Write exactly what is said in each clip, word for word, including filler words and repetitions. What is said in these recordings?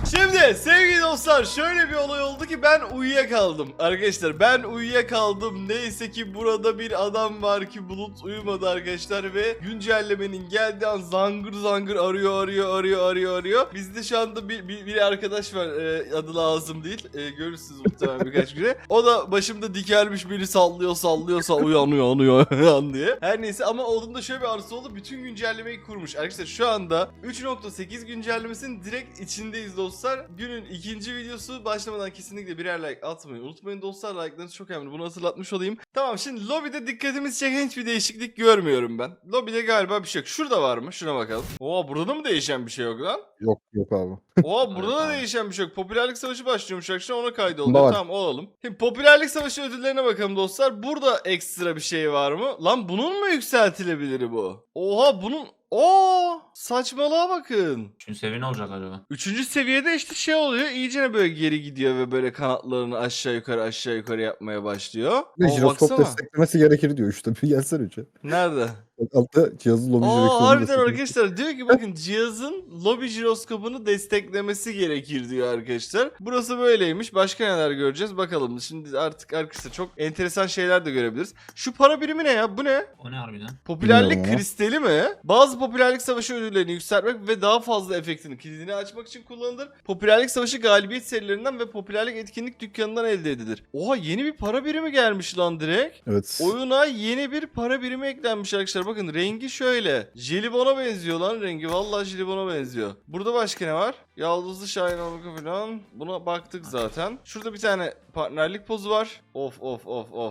Şimdi sevgili dostlar şöyle bir olay oldu ki ben uyuyakaldım. Arkadaşlar ben uyuyakaldım. Neyse ki burada bir adam var ki Bulut uyumadı arkadaşlar ve güncellemenin geldiği an zangır zangır arıyor arıyor arıyor arıyor arıyor. Bizde şu anda bir, bir, bir arkadaş var e, adı lazım değil. E, görürsünüz muhtemelen birkaç güne. O da başımda dikelmiş beni sallıyor sallıyor sallıyor uyanıyor uyanıyor diye. Her neyse ama olduğunda şöyle bir arzusu oldu. Bütün güncellemeyi kurmuş. Arkadaşlar şu anda üç nokta sekiz güncellemesinin direkt içindeyiz dostlar. Günün ikinci videosu başlamadan kesinlikle birer like atmayı unutmayın dostlar. Like'larınız çok önemli. Bunu hatırlatmış olayım. Tamam şimdi lobide dikkatimizi çeken hiçbir değişiklik görmüyorum ben. Lobide galiba bir şey yok. Şurada var mı? Şuna bakalım. Oo burada da mı değişen bir şey yok lan? Yok yok abi. Oo burada da Evet, değişen bir şey yok. Popülerlik savaşı başlıyormuş arkadaşlar. Ona Bunda kaydoluyor. var. Tamam olalım. Şimdi popülerlik savaşı ödüllerine bakalım dostlar. Burada ekstra bir şey var mı? Lan bunun mu yükseltilebilir bu? Oha bunun... Oo saçmalığa bakın. Üçüncü seviye ne olacak acaba? Üçüncü seviyede işte şey oluyor. İyicene böyle geri gidiyor ve böyle kanatlarını aşağı yukarı aşağı yukarı yapmaya başlıyor. Ve Aa, jiroskop baksana. desteklemesi gerekir diyor işte. Bir gelsene üçe. Nerede? Bak altta cihazın lobi Aa jiroskopunu harbiden desteklemesi. arkadaşlar diyor ki bakın cihazın lobi jiroskopunu desteklemesi gerekir diyor arkadaşlar. Burası böyleymiş. Başka neler göreceğiz bakalım. Şimdi artık arkadaşlar çok enteresan şeyler de görebiliriz. Şu para birimi ne ya? Bu ne? O ne harbiden? Popülerlik Bilmiyorum ama. kristali mi? Bazı popülerlik savaşı ödüllerini yükseltmek ve daha fazla efektini kilidini açmak için kullanılır. Popülerlik savaşı galibiyet serilerinden ve popülerlik etkinlik dükkanından elde edilir. Oha yeni bir para birimi gelmiş lan direkt. Evet. Oyuna yeni bir para birimi eklenmiş arkadaşlar. Bakın rengi şöyle. Jelibona benziyor lan rengi. Vallahi jelibona benziyor. Burada başka ne var? Yaldızlı Şahin olmak falan. Buna baktık zaten. Şurada bir tane partnerlik pozu var. Of of of of.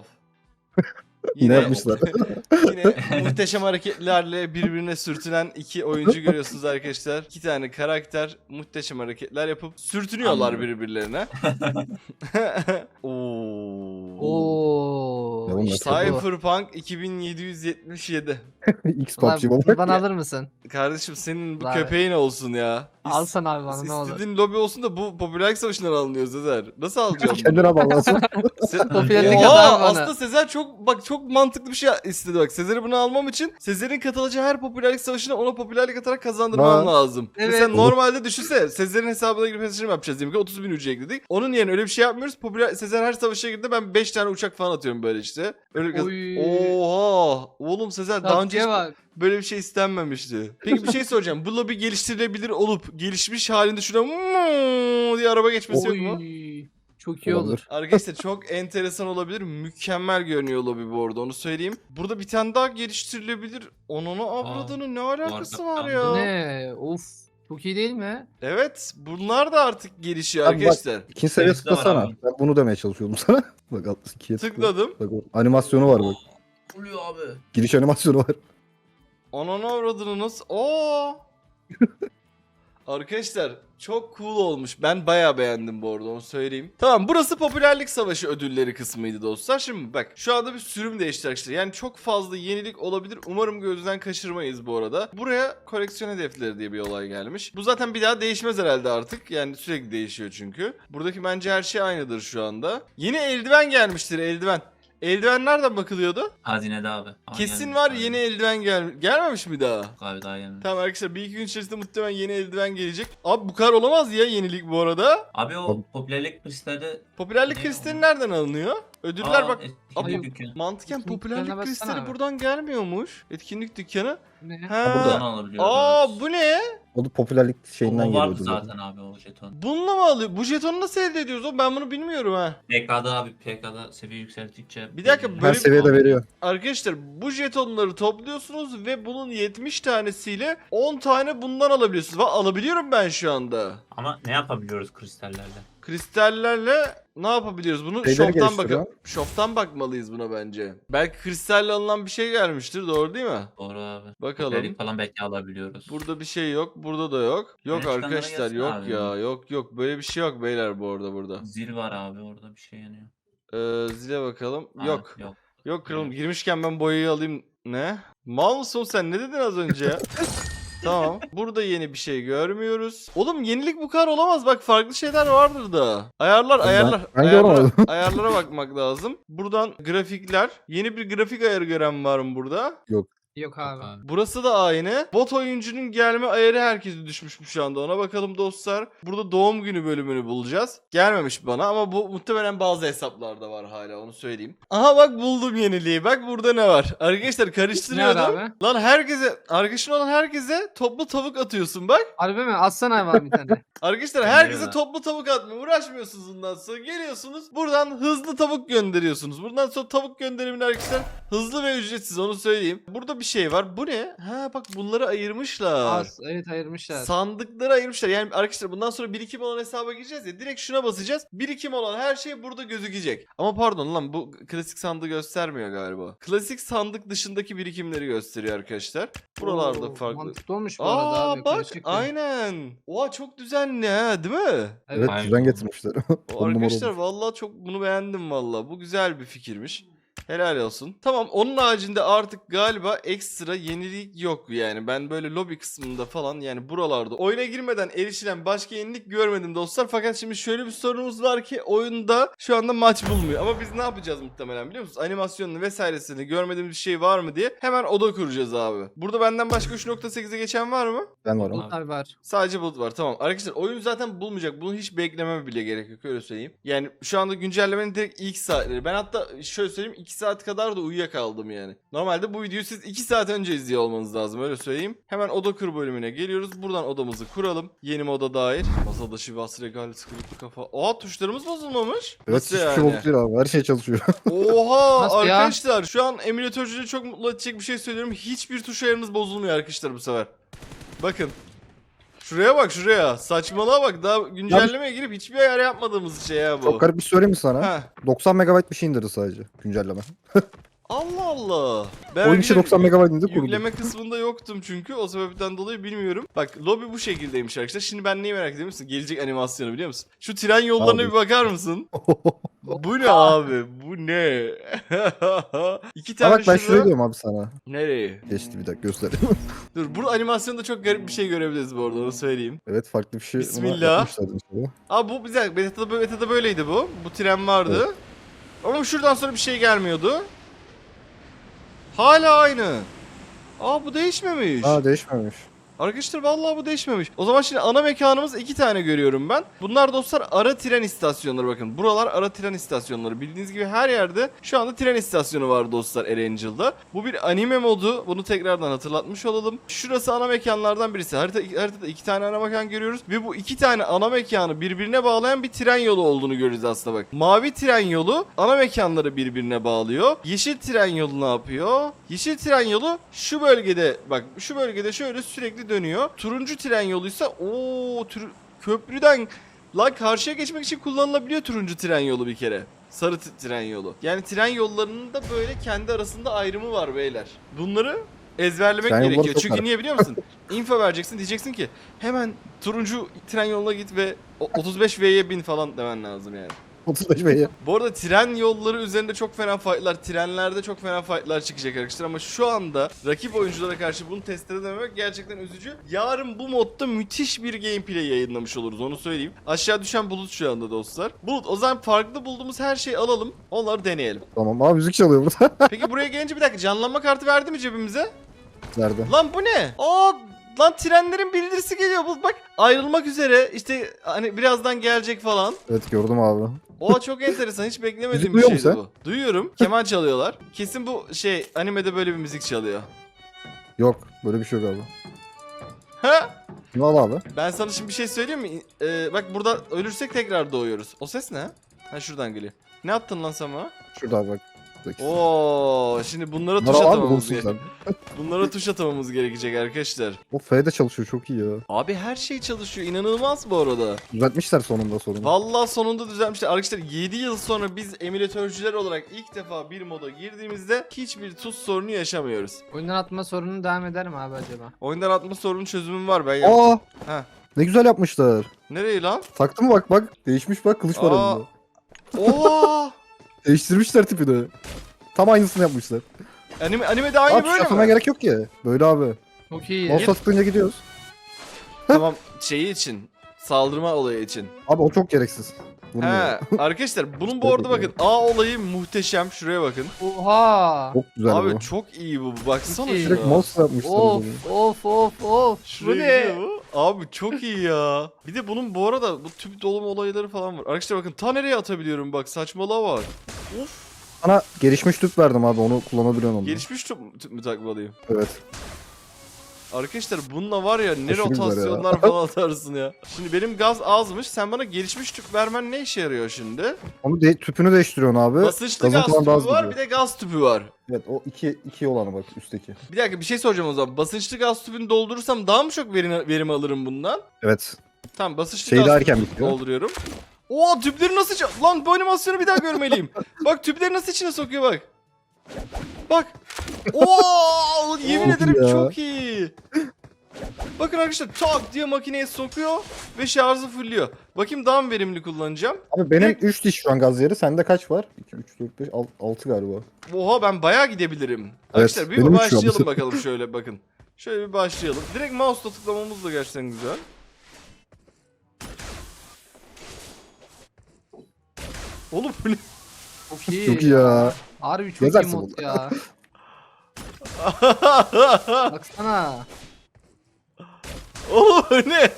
Ne yapmışlar? Yine muhteşem hareketlerle birbirine sürtünen iki oyuncu görüyorsunuz arkadaşlar. İki tane karakter muhteşem hareketler yapıp sürtünüyorlar Anladım. birbirlerine. Oo. Oo. Ya bunlar işte bu. Cypherpunk iki bin yedi yüz yetmiş yedi. X Ulan PUBG baba. buradan alır mısın? Kardeşim senin bu Lan. köpeğin olsun ya. İs- Alsana abi bana ne olur. İstediğin lobi olsun da bu popülerlik savaşından alınıyor Sezer. Nasıl alacağım bunu? Kendine bağlasın. Se- Popülerlik Oha, adam bana. aslında Sezer çok bak çok mantıklı bir şey istedi bak. Sezer'i bunu almam için Sezer'in katılacağı her popülerlik savaşına ona popülerlik atarak kazandırmam Ha. lazım. Evet. Mesela normalde düşünsene Sezer'in hesabına girip hesabını yapacağız diyelim ki otuz bin ücret ekledik. Onun yerine öyle bir şey yapmıyoruz. Popüler Sezer her savaşa girdiğinde ben beş tane uçak falan atıyorum böyle işte. Öyle kaz- Oy. Oha! Oğlum Sezer daha önce Tatlıya hiç bak. böyle bir şey istenmemişti. Peki bir şey soracağım. Bu lobi geliştirilebilir olup gelişmiş halinde şuna "Mmm" diye araba geçmesi yok mu? Oy. Çok iyi olur. Olabilir. Arkadaşlar çok enteresan olabilir. Mükemmel görünüyor lobi bu arada onu söyleyeyim. Burada bir tane daha geliştirilebilir. Onun avradının ne alakası arada var ya? Ne? Of. Çok iyi değil mi? Evet bunlar da artık gelişiyor Abi bak, arkadaşlar. İkinci seviye Hepsi de var tıklasana. abi. Ben bunu demeye çalışıyordum sana. Bak alt ikiye tıkla. Tıkladım. Bak o animasyonu var bak. Oluyor abi. Giriş animasyonu var. Onun avradını nasıl? Oo! Arkadaşlar çok cool olmuş. Ben bayağı beğendim bu arada onu söyleyeyim. Tamam burası popülerlik savaşı ödülleri kısmıydı dostlar. Şimdi bak şu anda bir sürüm değişti arkadaşlar. Yani çok fazla yenilik olabilir. Umarım gözden kaçırmayız bu arada. Buraya koleksiyon hedefleri diye bir olay gelmiş. Bu zaten bir daha değişmez herhalde artık. Yani sürekli değişiyor çünkü. Buradaki bence her şey aynıdır şu anda. Yeni eldiven gelmiştir eldiven. Eldiven nereden bakılıyordu? Hazinede abi. Aa, Kesin gelmiş var abi. yeni eldiven gel gelmemiş mi daha? Abi daha gelmiş. Tamam arkadaşlar bir iki gün içerisinde muhtemelen yeni eldiven gelecek. Abi bu kadar olamaz ya yenilik bu arada. Abi o Abi- popülerlik kristali... Popülerlik Ne kristali o? nereden alınıyor? Ödüller Aa, bak. etkinlik Abi- dükkanı. Mantıken Etkinlik popülerlik dükkanına kristali baksana. buradan gelmiyormuş. Etkinlik dükkanı. Ne? He. Buradan alabiliyoruz. Aa bu ne? O da popülerlik O, şeyinden o vardı geliyordu. zaten abi o jeton. Bununla mı alıyor? Bu jetonu nasıl elde ediyoruz oğlum? Ben bunu bilmiyorum ha. P K'da abi P K'da seviye yükselttikçe... Bir dakika, Her böyle- seviyede veriyor. Arkadaşlar bu jetonları topluyorsunuz ve bunun yetmiş tanesiyle on tane bundan alabiliyorsunuz. Bak alabiliyorum ben şu anda. Ama ne yapabiliyoruz kristallerle? Kristallerle ne yapabiliyoruz? Bunu Şeyleri shop'tan geliştiriyor. bakıp shop'tan bakmalıyız buna bence. Belki kristalle alınan bir şey gelmiştir, doğru değil mi? Doğru abi. Bakalım. Popülerlik falan belki alabiliyoruz. Burada bir şey yok, burada da yok. Yok Güneş ışınları arkadaşlar, gelsin yok abi. ya, yok yok. Böyle bir şey yok beyler bu arada burada. Zil var abi orada bir şey yanıyor. Ee, zile bakalım. Ha, Yok. Yok. Yok kralım, girmişken ben boyayı alayım. Ne? Mal mısın sen? Ne dedin az önce ya? Tamam. Burada yeni bir şey görmüyoruz. Oğlum yenilik bu kadar olamaz. Bak farklı şeyler vardır da. Ayarlar, Ben- ayarlar. ben ayarlara, görmedim. ayarlara bakmak lazım. Buradan grafikler. Yeni bir grafik ayarı gören var mı burada? Yok. Yok abi. Abi. Burası da aynı. Bot oyuncunun gelme ayarı herkese düşmüş şu anda. Ona bakalım dostlar. Burada doğum günü bölümünü bulacağız. Gelmemiş bana ama bu muhtemelen bazı hesaplarda var hala, onu söyleyeyim. Aha bak buldum yeniliği. Bak burada ne var. Arkadaşlar Ne karıştırıyordum. var abi? Lan herkese, arkadaşın olan herkese toplu tavuk atıyorsun bak. Harbi mi? Atsana abi bir tane. Arkadaşlar Ben herkese öyle. toplu tavuk atmaya uğraşmıyorsunuz bundan sonra. Geliyorsunuz buradan hızlı tavuk gönderiyorsunuz. Buradan sonra tavuk gönderimini arkadaşlar hızlı ve ücretsiz, onu söyleyeyim. Burada bir şey var. Bu ne? Ha bak bunları ayırmışlar. Az. Evet ayırmışlar. Sandıkları ayırmışlar. Yani arkadaşlar bundan sonra birikim olan hesaba gireceğiz ya. Direkt şuna basacağız. Birikim olan her şey burada gözükecek. Ama pardon lan, bu klasik sandığı göstermiyor galiba. Klasik sandık dışındaki birikimleri gösteriyor arkadaşlar. Buralarda Oo, farklı. Mantıklı olmuş bu arada Aa abi. bak karışık ya. aynen. Oha çok düzenli ha, değil mi? Evet. Evet Aynen. düzen getirmişler. O On numara arkadaşlar olmuş. vallahi çok bunu beğendim vallahi. Bu güzel bir fikirmiş. Helal olsun. Tamam, onun haricinde artık galiba ekstra yenilik yok yani. Ben böyle lobi kısmında falan, yani buralarda oyuna girmeden erişilen başka yenilik görmedim dostlar. Fakat şimdi şöyle bir sorunumuz var ki oyunda şu anda maç bulmuyor. Ama biz ne yapacağız muhtemelen biliyor musunuz? Animasyonunu vesairesini görmediğimiz bir şey var mı diye hemen oda kuracağız abi. Burada benden başka üç nokta sekize geçen var mı? Ben varım. Abi. Abi var. Sadece bulut var, tamam. Arkadaşlar oyun zaten bulmayacak. Bunu hiç beklememe bile gerek yok, öyle söyleyeyim. Yani şu anda güncellemenin direkt ilk saatleri. Ben hatta şöyle söyleyeyim, iki saat kadar da uyuyakaldım yani. Normalde bu videoyu siz iki saat önce izliyor olmanız lazım, öyle söyleyeyim. Hemen oda kur bölümüne geliyoruz. Buradan odamızı kuralım. Yeni moda dair. Masada şivas regal sıkıntı kafa. Aa, tuşlarımız bozulmamış. Evet Nasıl hiçbir şey bozuk değil abi. Her şey çalışıyor. Oha Nasıl ya? arkadaşlar, şu an emülatörcüleri çok mutlu edecek bir şey söylüyorum. Hiçbir tuş ayarınız bozulmuyor arkadaşlar bu sefer. Bakın. Şuraya bak, şuraya. Saçmalığa bak. Daha güncellemeye girip hiçbir ayar yapmadığımız şey ya bu. Çok garip bir şey söyleyeyim mi sana? Ha. doksan megabayt bir şey indirdi sadece güncelleme. Allah Allah. Ben Oyun içi öyle doksan megabayt indirdi kurdu. yükleme kısmında yoktum çünkü, o sebepten dolayı bilmiyorum. Bak lobi bu şekildeymiş arkadaşlar. Şimdi ben neyi merak ediyor musun? Gelecek animasyonu biliyor musun? Şu tren yollarına Abi. bir bakar mısın? Bu ne abi? Bu ne? İki Ha tane bak ben şurada. şöyle diyorum abi sana. Nereye? Geçti bir dakika göstereyim. Dur, bu animasyonda çok garip bir şey görebiliriz bu arada, onu söyleyeyim. Evet farklı bir şey. ona Bismillah. yapmışlardı işte. Abi bu güzel. Beta'da, beta'da böyleydi bu. Bu tren vardı. Evet. Ama şuradan sonra bir şey gelmiyordu. Hala aynı. Aa, bu değişmemiş. Aa değişmemiş. Arkadaşlar vallahi bu değişmemiş. O zaman şimdi ana mekanımız iki tane görüyorum ben. Bunlar dostlar ara tren istasyonları, bakın. Buralar ara tren istasyonları. Bildiğiniz gibi her yerde şu anda tren istasyonu var dostlar Erangel'da. Bu bir anime modu. Bunu tekrardan hatırlatmış olalım. Şurası ana mekanlardan birisi. Harita, haritada iki tane ana mekan görüyoruz. Ve bu iki tane ana mekanı birbirine bağlayan bir tren yolu olduğunu görüyoruz aslında bak. Mavi tren yolu ana mekanları birbirine bağlıyor. Yeşil tren yolu ne yapıyor? Yeşil tren yolu şu bölgede, bak şu bölgede şöyle sürekli dönüyor. Turuncu tren yoluysa o köprüden lan karşıya geçmek için kullanılabiliyor turuncu tren yolu bir kere. Sarı t- tren yolu. Yani tren yollarının da böyle kendi arasında ayrımı var beyler. Bunları ezberlemek Tren yolları gerekiyor. çok Çünkü var. niye biliyor musun? Info vereceksin, diyeceksin ki hemen turuncu tren yoluna git ve o- otuz beş V'ye bin falan demen lazım yani. otuz beş V'ye. Bu arada tren yolları üzerinde çok fena fightlar, trenlerde çok fena fightlar çıkacak arkadaşlar ama şu anda rakip oyunculara karşı bunu test edememek gerçekten üzücü. Yarın bu modda müthiş bir gameplay yayınlamış oluruz, onu söyleyeyim. Aşağı düşen Bulut şu anda dostlar. Bulut, o zaman farklı bulduğumuz her şeyi alalım, onları deneyelim. Tamam abi müzik çalıyor burada. Peki buraya gelince bir dakika, canlanma kartı verdi mi cebimize? Nerede? Lan bu ne? Aa, lan trenlerin bildirisi geliyor Bulut, bak ayrılmak üzere işte, hani birazdan gelecek falan. Evet gördüm abi. Oha çok enteresan, hiç beklemediğim bir duyuyor şeydi musun bu. Duyuyorum. Keman çalıyorlar. Kesin bu şey animede böyle bir müzik çalıyor. Yok böyle bir şey yok abi. Ha? Bunu al abi. Ben sana şimdi bir şey söyleyeyim mi? Ee, bak burada ölürsek tekrar doğuyoruz. O ses ne? Ha, şuradan geliyor. Ne yaptın lan sen bana? Şurada abi bak. Oo, şimdi bunlara tuş Bunları al abi atamamız bulsun gerekiyor. sen. Bunlara tuş atamamız gerekecek arkadaşlar. O F de çalışıyor çok iyi ya. Abi her şey çalışıyor. İnanılmaz bu arada. Düzeltmişler sonunda sorunu. Vallahi sonunda düzeltmişler. Arkadaşlar yedi yıl sonra biz emülatörcüler olarak ilk defa bir moda girdiğimizde hiçbir tuz sorunu yaşamıyoruz. Oyundan atma sorunu devam eder mi abi acaba? Oyundan atma sorunu çözümüm var, ben yaptım. Aa! Ha. Ne güzel yapmışlar. Nereye lan? Taktı mı bak bak. Değişmiş bak kılıç var Aa. elinde. Oo! Değiştirmişler tipini. Tam aynısını yapmışlar. Anime, animede aynı Abi böyle şafına mi? gerek yok ki. Böyle abi. Çok iyi. Mouse tıklayınca gidiyoruz. Tamam, şeyi için. Saldırma olayı için. Abi o çok gereksiz. Vurmuyor. He arkadaşlar bunun bu arada bakın A olayı muhteşem. Şuraya bakın. Oha. Çok güzel Abi bu. çok iyi bu. Baksana İyi. Direkt şuna. mouse yapmışlar. Of bunu. of of of. Bu Şuraya ne? gidiyor bu. Abi çok iyi ya. Bir de bunun bu arada bu tüp dolum olayları falan var. Arkadaşlar bakın ta nereye atabiliyorum bak saçmalığa bak. Of. Sana gelişmiş tüp verdim abi, onu kullanabiliyorsun onu. Gelişmiş tüp, tüp mü takmalıyım? Evet. Arkadaşlar bununla var ya ne Aşırı güzel ya. rotasyonlar falan atarsın ya. Şimdi benim gaz azmış. Sen bana gelişmiş tüp vermen ne işe yarıyor şimdi? Onu de, tüpünü değiştiriyorsun abi. Basınçlı Gazın gaz falan tüpü daha hızlı var gidiyor. bir de gaz tüpü var. Evet, o iki, iki olanı bak, üstteki. Bir dakika bir şey soracağım o zaman. Basınçlı gaz tüpünü doldurursam daha mı çok verim, verim alırım bundan? Evet. Tamam basınçlı Şey gaz daha tüpünü erken bitiyor. dolduruyorum. Oo tüpleri nasıl... ça- Lan bu animasyonu bir daha görmeliyim. Bak tüpleri nasıl içine sokuyor bak. Bak. Oo yemin Çok ederim iyi ya. çok iyi. Bakın arkadaşlar tak diye makineye sokuyor ve şarjı fulluyor. Bakayım daha mı verimli kullanacağım? Abi benim Direkt- üç diş şu an gaz yeri. Sende kaç var? iki, üç, dört, beş, altı galiba. Oha ben bayağı gidebilirim. Arkadaşlar bir benim üç şu an. başlayalım bakalım şöyle bakın. Şöyle bir başlayalım. Direkt mouse'la tıklamamız da gerçekten güzel. Oğlum bu ne? Çok iyi. Çok iyi ya. Harbi çok Gezersin iyi mod burada. ya. Baksana. Oğlum bu ne?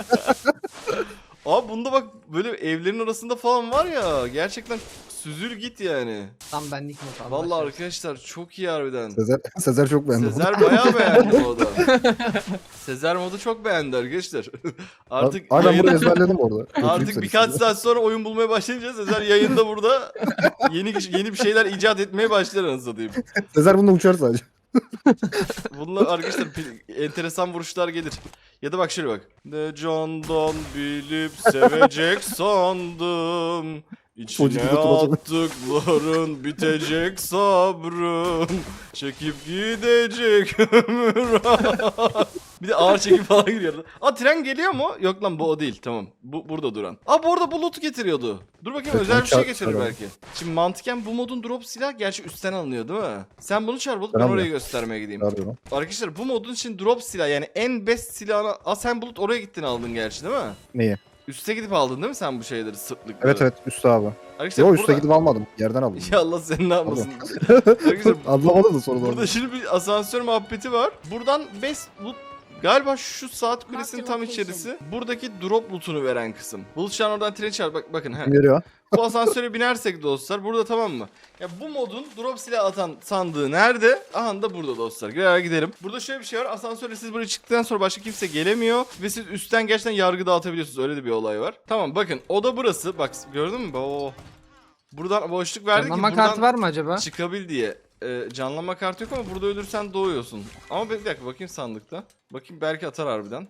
Abi bunda bak böyle evlerin arasında falan var ya gerçekten süzül git yani. Tam benlik mod abi. Vallahi arkadaşlar çok iyi harbiden. Sezer, Sezer çok beğendi. Sezer bayağı beğendi modu. Sezer modu çok beğendi arkadaşlar. Artık Abi ben yayın- bunu ezberledim orada. Götüreyim Artık seni birkaç şimdi. saat sonra oyun bulmaya başlayınca Sezer yayında burada yeni yeni bir şeyler icat etmeye başlar anasını satayım. Sezer bununla uçar sadece. Bunlar arkadaşlar pi- enteresan vuruşlar gelir. Ya da bak şöyle bak. Ne candan bilip sevecek sandım. Çocuk İçine gibi oturacak. attıkların bitecek sabrım. Çekip gidecek ömür. Bir de ağır çekim falan giriyordu. Aa tren geliyor mu? Yok lan bu o değil tamam. Bu burada duran. Aa bu arada bulut getiriyordu. Dur bakayım Evet, özel onu bir şey çağır- getirir çağıralım. belki. Şimdi mantıken bu modun drop silah gerçi üstten alınıyor değil mi? Sen bunu çağır bulut ben Ben oraya almıyorum. göstermeye gideyim. Ne yapıyorum? Arkadaşlar bu modun için drop silah yani en best silahını... Aa sen bulut oraya gittin aldın gerçi değil mi? Neyi? Üste gidip aldın değil mi sen bu şeyleri sırtlıkları? Evet evet, üstte abi. Arkadaşlar Yo, burada... üstte gidip almadım. Yerden aldım. Ya Allah seni ne yapmasın. Arkadaşlar Anlamadım da sonra. burada şimdi bir asansör muhabbeti var. Buradan best loot galiba şu saat kulesinin tam içerisi. Buradaki drop loot'unu veren kısım. Bulut şu an oradan tren çağır. Bak, bakın. He. Geliyor. Bu asansöre binersek dostlar burada tamam mı? Ya bu modun drop silah atan sandığı nerede? Aha da burada dostlar. Gel gidelim. Burada şöyle bir şey var. Asansörle siz buraya çıktıktan sonra başka kimse gelemiyor. Ve siz üstten gerçekten yargı dağıtabiliyorsunuz. Öyle de bir olay var. Tamam bakın oda burası. Bak gördün mü? Oo. Buradan boşluk verdik ki Canlanma buradan kartı var mı acaba? çıkabil diye. Ee, canlanma kartı yok ama burada ölürsen doğuyorsun. Ama bir dakika bakayım sandıkta. Bakayım belki atar harbiden.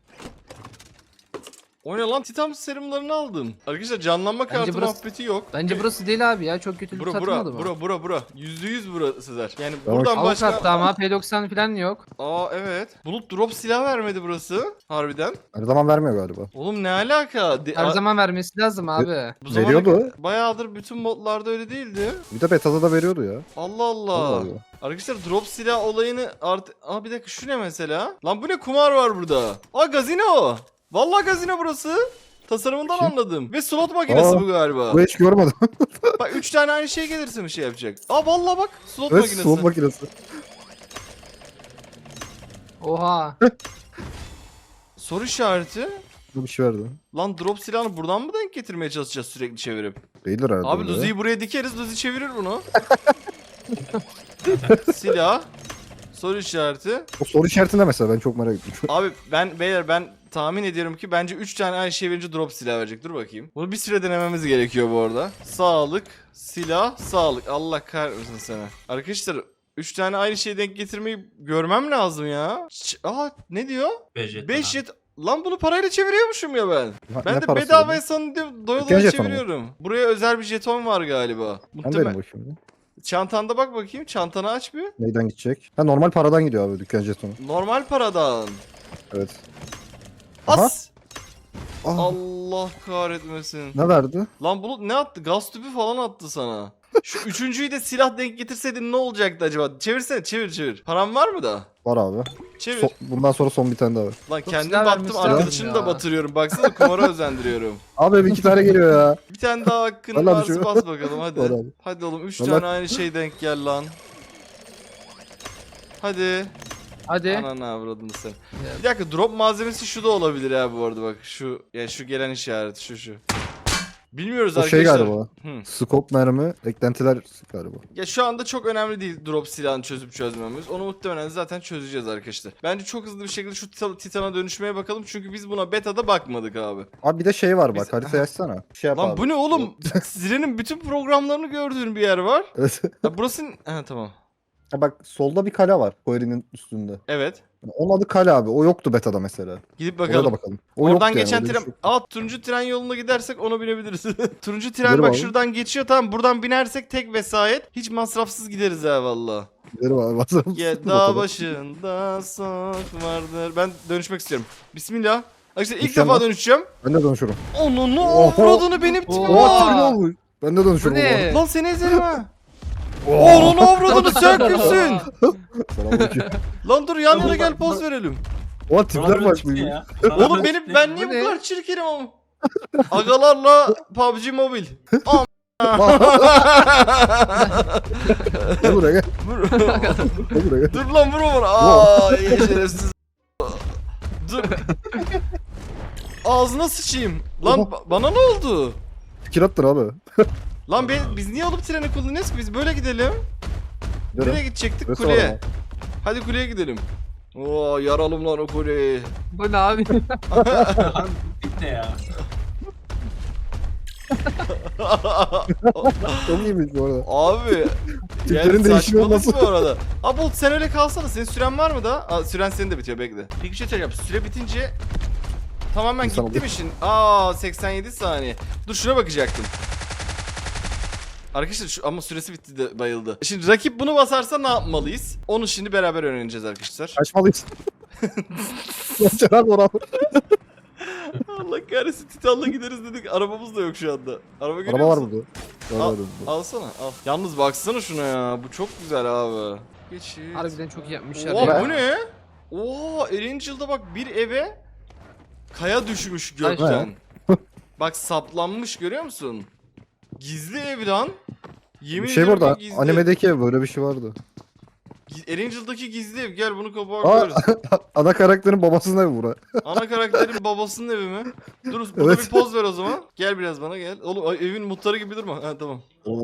O ne lan? Titan serumlarını aldım. Arkadaşlar canlanma Bence kartı burası- muhabbeti yok. Bence burası değil abi ya. Çok kötü bir Bura satılmadı bura bu. bura bura bura. Yüzde yüz bura Sezer. Yani Tamam. buradan Alt başka... katta ama P doksan falan yok. Aa evet. Bulut drop silah vermedi burası. Harbiden. Her zaman vermiyor galiba. Oğlum ne alaka? De- Her a- zaman vermesi lazım abi. bu zamana veriyordu. kadar- Bayağıdır bütün modlarda öyle değildi. Bir de beta'da da veriyordu ya. Allah Allah. Allah Allah. Arkadaşlar drop silah olayını artık... Aa bir dakika şu ne mesela? Lan bu ne kumar var burada? Aa gazino. Vallahi gazino burası. Tasarımından Kim? anladım. Ve slot makinesi Aa, bu galiba. Bu hiç görmedim. Bak üç tane aynı şey gelirse bir şey yapacak. Aa vallahi bak slot Evet, makinesi. soğuk makinesi. Oha. Soru işareti. Bu bir şey verdi. Lan drop silahını buradan mı denk getirmeye çalışacağız sürekli çevirip? Değildir herhalde. Abi öyle. Luzi'yi buraya dikeriz, Luzi çevirir bunu. Silah. Soru işareti. O soru işaretinde mesela ben çok merak ettim. Abi ben beyler ben tahmin ediyorum ki bence üç tane aynı şey verince drop silah verecek. Dur bakayım. Bunu bir süre denememiz gerekiyor bu arada. Sağlık, silah, sağlık. Allah kahretmesin seni. Arkadaşlar üç tane aynı şeyi denk getirmeyi görmem lazım ya. Ç- Aa ne diyor? beş jet. beş jet. Lan bunu parayla çeviriyormuşum ya ben. Ha, Ben ne de parası bedavaya veriyor? sandım doya Dükkan doya jetonu mu? çeviriyorum. Buraya özel bir jeton var galiba. Ben Muhtemelen. derim bakayım. Çantanda bak bakayım. Çantanı aç bir. Neyden gidecek? Ha, normal paradan gidiyor abi dükkan jetonu. Normal paradan. Evet. Aha. As. Ah, Allah kahretmesin. ne verdi? Lan Bulut ne attı? Gaz tüpü falan attı sana. Şu üçüncüyü de silah denk getirseydin ne olacaktı acaba? Çevirsene, çevir çevir. Param var mı da? Var abi. Çevir. So- bundan sonra son bir tane daha var. Lan Çok kendim silah battım, vermişler arkadaşımı ya. da batırıyorum. Baksana kumara özendiriyorum. Abi bir iki tane geliyor ya. Bir tane daha hakkın Vallahi varsa düşüyor. bas bakalım hadi. Var abi. Hadi oğlum üç Vallahi- tane aynı şey denk gel lan. Hadi. Hadi. Ananı avradını sen. Evet. Bir dakika, drop malzemesi şu da olabilir ya bu arada bak. Şu ya şu gelen işaret şu şu. Bilmiyoruz O şey arkadaşlar. galiba. Hı. Scope mermi, eklentiler galiba. Ya şu anda çok önemli değil drop silahını çözüp çözmemiz. Onu muhtemelen zaten çözeceğiz arkadaşlar. Bence çok hızlı bir şekilde şu tita- Titan'a dönüşmeye bakalım. Çünkü biz buna beta'da bakmadık abi. Abi bir de şey var bak, Biz- haritayı açsana. Şey yap Lan abi. bu ne oğlum? Siren'in bütün programlarını gördüğün bir yer var. Evet. Ya burası... Ha tamam. Ha bak solda bir kale var Quarry'nin üstünde. Evet. Yani onun adı kale abi. O yoktu beta'da mesela. Gidip Oraya bakalım. da bakalım. O Oradan yoktu yani, geçen öyle bir tren... şey yoktu. Aa turuncu tren yoluna gidersek ona binebiliriz. Turuncu tren Gidelim bak abi. şuradan geçiyor, tamam, buradan binersek tek vesayet. Hiç masrafsız gideriz ha valla. Gidelim abi. Basalım. Ya dağ başında sok vardır. Ben dönüşmek istiyorum. Bismillah. Arkadaşlar ilk Mükemmel. defa dönüşeceğim. Ben de dönüşürüm. Onun Oha. avradını benim tipim Oha. Oha kim var. olmuş? Ben de Bu dönüşürüm. ne? Lan seni ezerim ha. Oha. Onun avradını sen kimsin? Selamünaleyküm. Lan dur yan yana gel poz verelim. Oha tipler Bana bak. çıktı ya. Oğlum benim ben niye Bu bu ne? kadar çirkinim ama? Agalarla P U B G Mobile. Am- Gel buraya gel. Vur- Gel buraya gel. Dur lan vur onu. Aa iyi şerefsiz. Dur. Ağzına sıçayım. Lan Oha. ba- bana ne oldu? Fikir attın abi. Lan be, biz niye alıp treni kullanıyoruz ki? Biz böyle gidelim. Nereye Nereye? gidecektik? Burası Kuleye. var ama. Hadi kuleye gidelim. Oo yaralım lan o kuleyi. Bu ne abi? Lan bitti ya. Çok iyiymiş bu arada. Abi. Tiplerin Yani değişimi saçmalık nasıl? bu arada. Abi Bolt sen öyle kalsana. Senin süren var mı da? Aa, süren senin de bitiyor, bekle. Peki bir şey söyleyeceğim. Süre bitince tamamen İnsan gitti oluyor. mi şimdi? Aa seksen yedi saniye. Dur şuna bakacaktım. Arkadaşlar şu, ama süresi bitti de bayıldı. Şimdi rakip bunu basarsa ne yapmalıyız? Onu şimdi beraber öğreneceğiz arkadaşlar. Kaçmalıyız. Yaşar abi orada. Allah kahretsin, Titan'la gideriz dedik. Arabamız da yok şu anda. Araba görüyor Araba var musun? burada. Var Al, var burada. alsana al. Yalnız baksana şuna ya. Bu çok güzel abi. Geçit. Harbiden çok iyi yapmışlar Oha ya. bu ne? Oha Erangel'da bak bir eve kaya düşmüş Ay. gökten. Bak saplanmış, görüyor musun? Gizli ev lan. Yemin Bir şey ediyorum burada. ki gizli. Animedeki ev böyle bir şey vardı. Gi- Erangel'daki gizli ev. Gel bunu kapağa Aa. koyarız. Ana karakterin babasının evi bura. Ana karakterin babasının evi mi? Dur burada Evet. bir poz ver o zaman. Gel biraz bana gel. Oğlum ay, evin muhtarı gibi durma. Ha tamam.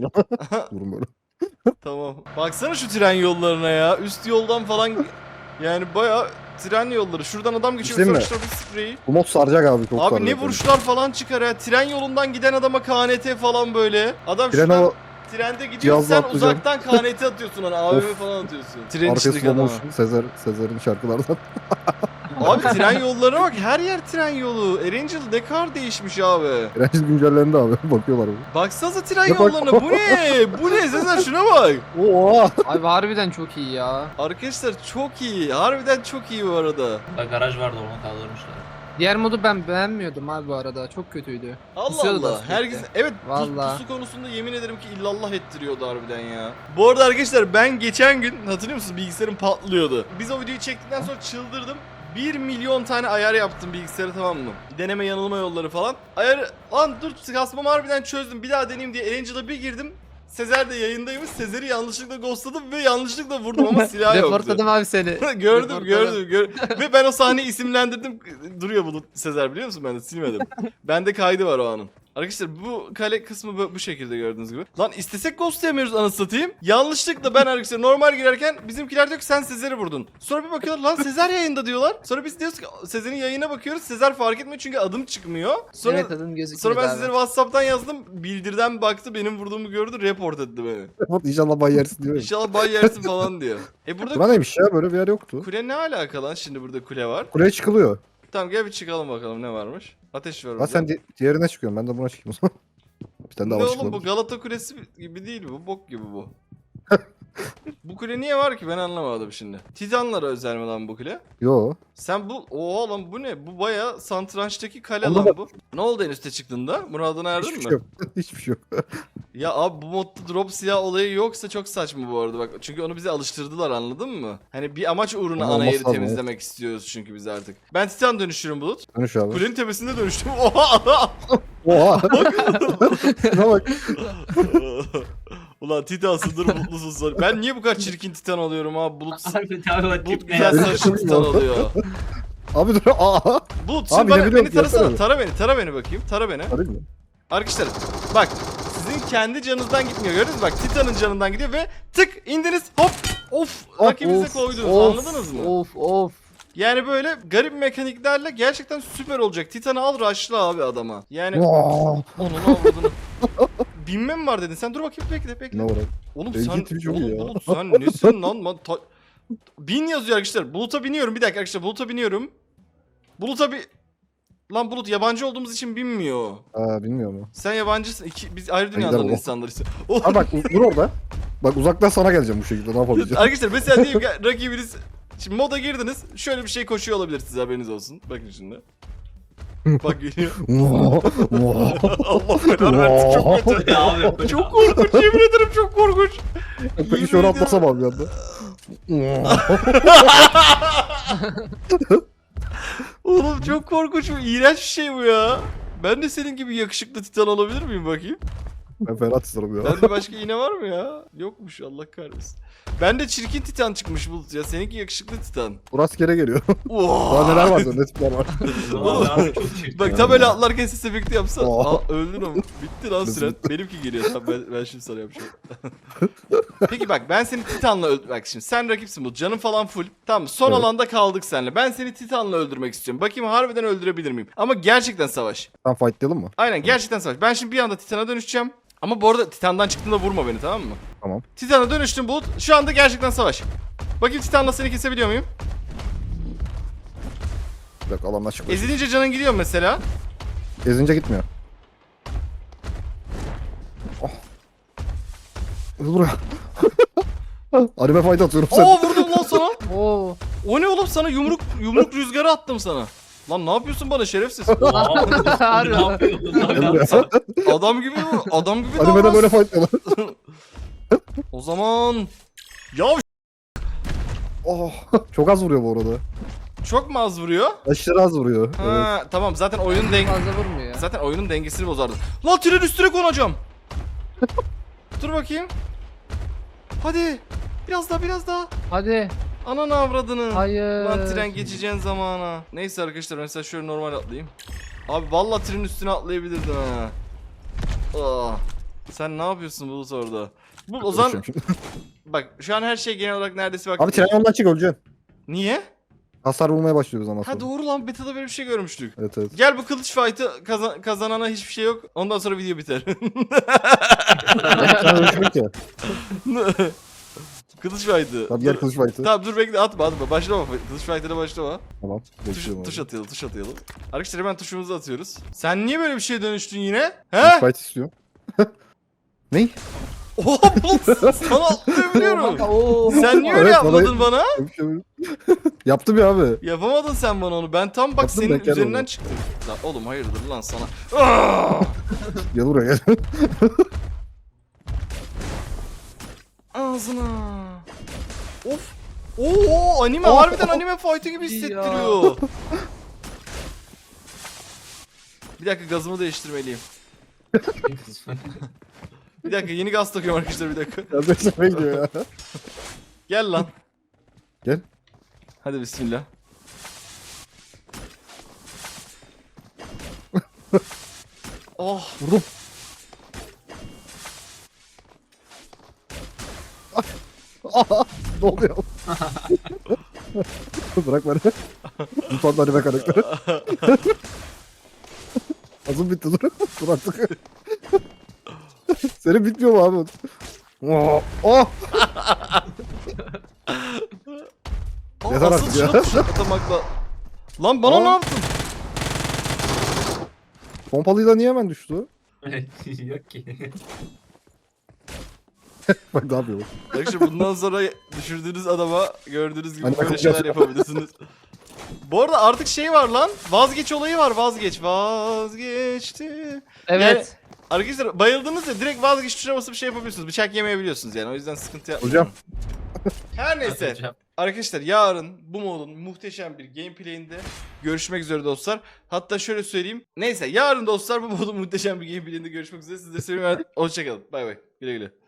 Durun böyle. Tamam. Baksana şu tren yollarına ya. Üst yoldan falan yani bayağı tren yolları. Şuradan adam geçiyor. Değil mi? Sonra bir spreyi. Bu mod saracak abi çok Abi saracak. ne vuruşlar falan çıkar ya. Tren yolundan giden adama K N T falan böyle. Adam Tren şuradan o trende gidiyor, cihazla sen atlayacağım. uzaktan K N T atıyorsun hani A V M Of. falan atıyorsun. Tren arkası içindeki adama. slow motion Sezer, Sezer'in şarkılardan. Abi tren yollarına bak, her yer tren yolu. Erangel ne kadar değişmiş abi. Direnç güncellendi abi. Bakıyorlar abi. Baksanıza tren Bak, bak. yollarına. Bu ne? Bu ne? Sezer şuna bak. Oha. Abi harbiden çok iyi ya. Arkadaşlar çok iyi. Harbiden çok iyi bu arada. Burada garaj vardı onu kaldırmışlar. Diğer modu ben beğenmiyordum abi bu arada. Çok kötüydü. Allah Pusuyordu da Allah. sürekli. Herkes evet pus- Vallahi. pusu konusunda yemin ederim ki illallah ettiriyordu harbiden ya. Bu arada arkadaşlar ben geçen gün hatırlıyor musunuz bilgisayarım patlıyordu. Biz o videoyu çektikten sonra çıldırdım. bir milyon tane ayar yaptım bilgisayarı, tamam mı? Deneme yanılma yolları falan. Ayar lan dur kasmamı harbiden çözdüm. Bir daha deneyeyim diye Erangel'a bir girdim. Sezer de yayındaymış. Sezer'i yanlışlıkla ghostladım ve yanlışlıkla vurdum ama silah yoktu. Reportladım abi seni. gördüm Reportladım. gördüm gör ve ben o sahneyi isimlendirdim. Duruyor Bulut Sezer, biliyor musun, ben de silmedim. Bende kaydı var o anın. Arkadaşlar bu kale kısmı bu, bu şekilde gördüğünüz gibi. Lan istesek ghostlayamıyoruz anasını satayım. Yanlışlıkla ben arkadaşlar normal girerken bizimkiler diyor ki sen Sezer'i vurdun. Sonra bir bakıyorlar lan Sezer yayında diyorlar. Sonra biz diyoruz ki Sezer'in yayına bakıyoruz. Sezer fark etmiyor çünkü adım çıkmıyor. Sonra Evet adın gözüküyor. sonra ben Sezer'e WhatsApp'tan yazdım. Bildirden baktı, benim vurduğumu gördü, report etti beni. İnşallah bay yersin diyor. İnşallah bay yersin falan diyor. E burada Buna neymiş ya, böyle bir yer yoktu. kule ne alaka lan, şimdi burada kule var. Kuleye çıkılıyor. Tamam gel bir çıkalım bakalım ne varmış. Ateş var Ha burada. sen di- diğerine çıkıyorsun, ben de buna çıkayım o zaman. Bir tane daha Ne var oğlum bu çıkılabilir. Galata Kulesi gibi değil bu, bok gibi bu. Bu kule niye var ki ben anlamadım şimdi. Titanlara özel mi lan bu kule? Yo. Sen bu oha lan bu ne? Bu baya satrançtaki kale Allah lan Allah. bu. Ne oldu en üste çıktığında? Muradına erdin Hiçbir mi? şey yok. Hiçbir şey yok. Ya abi bu modda drop silah olayı yoksa çok saçma bu arada bak. Çünkü onu bize alıştırdılar, anladın mı? Hani bir amaç uğruna Ama ana olması yeri lazım, temizlemek istiyoruz çünkü biz artık. Ben Titan dönüşürüm Bulut. Dönüş abi. Kulenin tepesinde dönüştüm. Oha! Oha. Şuna bak. Ulan Titansındır, mutlusun sonra. Ben niye bu kadar çirkin Titan oluyorum abi? Bulut, Harbi tabii o Bulut tip ne güzel ya? saçlı Titan oluyor. Abi dur. Aa. Bulut Abi şimdi bana, ne beni biliyorum, tarasana. yapsana. Tara beni, tara beni bakayım. Tara beni. Arayayım mı? Arkadaşlar bak, sizin kendi canınızdan gitmiyor, gördünüz mü? Bak Titan'ın canından gidiyor ve tık indiniz, hop, of, Of, rakibinize of, koydunuz, Of, anladınız mı? Of of. Yani böyle garip mekaniklerle gerçekten süper olacak. Titan'ı al, rush'la abi adama. Yani Vaa. onun avradını. Binme mi var dedin sen? Dur bakayım, bekle bekle. Ne var abi? Oğlum Benimki sen, tipi çok oğlum iyi ya. Bulut sen nesin lan? lan ta- Bin yazıyor arkadaşlar. Bulut'a biniyorum, bir dakika arkadaşlar, Bulut'a biniyorum. Bulut'a bir... Lan Bulut yabancı olduğumuz için binmiyor. Aa bilmiyorum ya. Sen yabancısın. İki, biz ayrı giderim dünyadan o. insanlarız. Oğlum, Abi bak dur orada. Bak uzaktan sana geleceğim bu şekilde. Ne yapabileceğim? arkadaşlar mesela diyelim ki rakibiniz... Şimdi moda girdiniz. Şöyle bir şey koşuyor olabilir, size haberiniz olsun. Bakın şimdi. Bak geliyor. Vaa. Vaa. Allah belanı versin, çok kötü. Ya abi. Çok korkunç, yemin ederim çok korkunç. Peki şöyle atlasamam bir anda. Oğlum çok korkunç, bu iğrenç bir şey bu ya. Ben de senin gibi yakışıklı Titan olabilir miyim bakayım? Ben Ferhat isterim ya. Bende başka iğne var mı ya? Yokmuş, Allah kahretsin. Bende çirkin Titan çıkmış Bulut ya. Seninki yakışıklı Titan. Bu rastgele geliyor. Oo. Daha neler var ne tipler var. Vallahi abi çok çirkin. Bak tam öyle atlarken ses efekti yapsan. Oo. Aa, öldün ama. Bitti lan süren. Benimki geliyor. Tamam ben, ben şimdi sana yapacağım. Peki bak, ben seni Titan'la öldür... Bak şimdi sen rakipsin bu. Canın falan full. Tamam, son Evet. alanda kaldık seninle. Ben seni Titan'la öldürmek istiyorum. Bakayım harbiden öldürebilir miyim? Ama gerçekten savaş. Tamam fightlayalım mı? Aynen, gerçekten savaş. Ben şimdi bir anda Titan'a dönüşeceğim. Ama bu arada Titan'dan çıktığında vurma beni, tamam mı? Tamam. Titan'a dönüştüm Bulut. Şu anda gerçekten savaş. Bakayım Titan'la seni kesebiliyor muyum? Bir dakika alandan çıkıyor. Ezilince canın gidiyor mesela. Ezince gitmiyor. Oh. Dur buraya. Anime fight atıyorum sen. Oo, vurdum lan sana. Oo. O ne oğlum, sana yumruk yumruk rüzgarı attım sana. Lan ne yapıyorsun bana şerefsiz? Aa, ne yapıyorsun? Gel buraya. Adam gibi mi? Adam gibi Animede davran. böyle fightlıyorlar. O zaman... Ya Oh. Çok az vuruyor bu arada. çok mu az vuruyor? Aşırı az vuruyor. Evet. Ha, tamam, zaten oyunun deng Fazla vurmuyor ya. zaten oyunun dengesini bozardı. Lan tren üstüne konacağım. Dur bakayım. Hadi. Biraz daha, biraz daha. Hadi. Ananı avradını. Hayır. Lan tren geçeceğin zamana. Neyse arkadaşlar, mesela şöyle normal atlayayım. Abi vallahi trenin üstüne atlayabilirdim ha. Aa. Sen ne yapıyorsun Bulut orada? Bu o zaman Konuşuyorum şimdi. bak şu an her şey genel olarak neredeyse bak. Abi tren ondan çık öleceksin. Niye? Hasar vurmaya başlıyoruz ama Ha sonra. doğru lan, beta'da böyle bir şey görmüştük. Evet evet. Gel bu kılıç fight'ı kazan kazanana hiçbir şey yok. Ondan sonra video biter. Sen ölçmek ya. Kılıç fight'ı. Tabii gel Dur- kılıç fight'ı. Tamam dur bekle, atma atma, başlama. Kılıç fight'ına başlama. Tamam. Tuş, Bekliyorum tuş abi. atayalım, tuş atayalım. Arkadaşlar hemen tuşumuzu atıyoruz. Sen niye böyle bir şeye dönüştün yine? Kılıç He? fight istiyorum. Ney? Oha Bulut, sana atlayabiliyorum. Oo. Sen niye öyle Evet, bana- yapmadın bana? Yaptım ya abi. Yapamadın sen bana onu. Ben tam bak Yaptım, senin ben kendim üzerinden oldum. çıktım. Lan oğlum hayırdır lan sana. Aa! Gel buraya gel. Ağzına. Of. Oo anime, Oh. harbiden anime fight'ı gibi Ya. hissettiriyor. Bir dakika, gazımı değiştirmeliyim. Bir dakika, yeni gaz takıyorum arkadaşlar, bir dakika. Ya ben sana gidiyor ya. Gel lan. Gel. Hadi bismillah. Oh. Vurdum. Ne oluyor? Bırak beni. Lütfen anime karakteri. Azım bitti dur. Dur artık. Senin bitmiyor mu abi? Oh! Oh! Aa, Yeter asıl artık ya. şuna tuş atamakla. Lan bana Aa. ne yaptın? Pompalıyla niye hemen düştü? Yok ki. Bak ne yapıyor bak. Arkadaşlar bundan sonra düşürdüğünüz adama gördüğünüz gibi Hani böyle bakacağız. şeyler yapabilirsiniz. Bu arada artık şey var lan. Vazgeç olayı var, vazgeç. Vazgeçti. Evet. Arkadaşlar bayıldınız ya direkt vazgeç tuşuna basıp şey yapabiliyorsunuz. Bıçak yemeyebiliyorsunuz yani. O yüzden sıkıntı yapmayın. Hocam. Her neyse. Hocam. Arkadaşlar yarın bu modun muhteşem bir gameplay'inde görüşmek üzere dostlar. Hatta şöyle söyleyeyim. Neyse yarın dostlar bu modun muhteşem bir gameplay'inde görüşmek üzere. Sizleri seviyorum. Hoşçakalın. Bay bay. Güle güle.